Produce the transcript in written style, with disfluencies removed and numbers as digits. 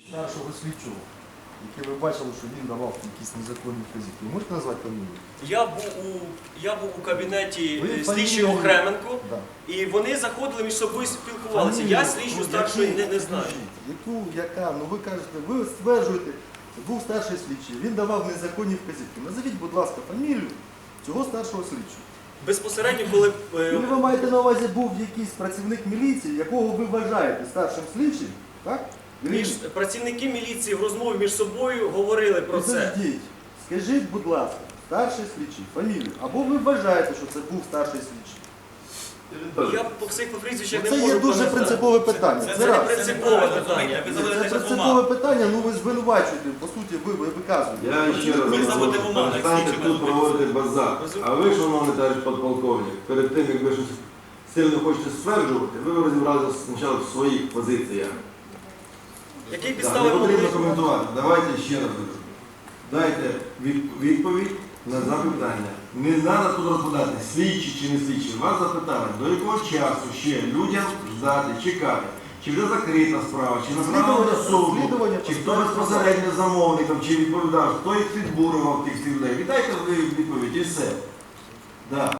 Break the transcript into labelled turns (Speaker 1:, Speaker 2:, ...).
Speaker 1: Старшого слідчого, який ви бачили, що він давав якісь незаконні вказівки. Ви можете назвати фамілію?
Speaker 2: Я був у кабінеті
Speaker 1: Ви
Speaker 2: слідчого
Speaker 1: фамілію-
Speaker 2: Охременко,
Speaker 1: Да.
Speaker 2: і вони заходили між собою спілкувалися.
Speaker 1: Фамілію,
Speaker 2: Я слідчу старшої не знаю.
Speaker 1: Яка? Ну ви кажете, ви стверджуєте, був старший слідчий, він давав незаконні вказівки. Назовіть, будь ласка, фамілію цього старшого слідчого.
Speaker 2: Безпосередньо, коли
Speaker 1: Коли ви маєте на увазі, був якийсь працівник міліції, якого ви вважаєте старшим слідчим, так?
Speaker 2: працівники міліції в розмові між собою говорили про це.
Speaker 1: Підождіть. Скажіть, будь ласка, старший слідчий, фамілію. Або ви вважаєте, що це був старший слідчий?
Speaker 2: Я по всіх прізвищах не
Speaker 1: Це
Speaker 2: можу
Speaker 1: є дуже
Speaker 2: пам'ятати.
Speaker 1: принципове питання.
Speaker 2: Це не принципове питання.
Speaker 1: Це принципове питання, ну ви звинувачуєте, по суті, ви виказуєте.
Speaker 3: Я ще раз говорю, перестаньте тут проводити базар. А ви, шановний товариш подполковник, перед тим, як ви щось сильно хочете стверджувати, ви розібралися спочатку в своїх позиціях.
Speaker 2: Які
Speaker 3: Не
Speaker 2: підстави
Speaker 3: потрібно
Speaker 2: могли?
Speaker 3: коментувати. Давайте ще раз кажу. Дайте відповідь на запитання. Не треба тут розповідати, слідчі чи не слідчі. Вас запитали, до якого часу ще людям ждати, чекати. Чи вже закрита справа, чи направлена до суду, чи хто безпосередньо замовником, чи відповідав, хто їх підбурював тих людей. Віддайте ви відповідь і все. Да.